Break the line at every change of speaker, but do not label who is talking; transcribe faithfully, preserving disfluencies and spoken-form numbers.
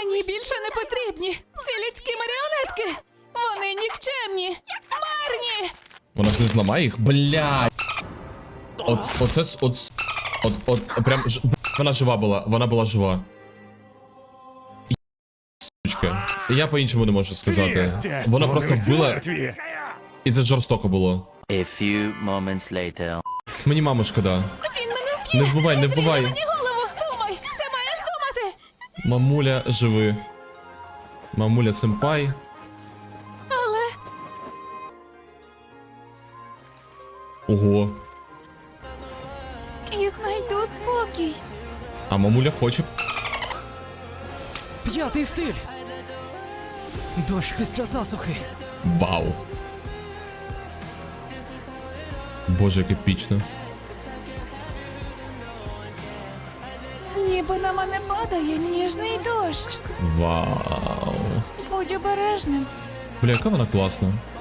Мені більше не потрібні ці людські маріонетки. Вони нікчемні, марні.
Вона ж не зламає їх? Блядь. От, оце, с- от, с- от, от, прям, ж- вона жива була, вона була жива. Є- Сучка. Я по-іншому не можу сказати. Вона просто вбила, і це жорстоко було.
A few moments later.
Мені маму шкода.
Він мене вб'є.
Не вбивай, не
Відріже
вбивай.
мені голову. Думай, ти маєш думати.
Мамуля, живи. Мамуля сенпай.
Але
Ого.
і знайду спокій.
А мамуля хоче.
П'ятий стиль. Дощ після засухи.
Вау. Боже, як епічно.
Ніби на мене падає ніжний дощ.
Вау.
Будь обережним.
Бля, яка вона класна.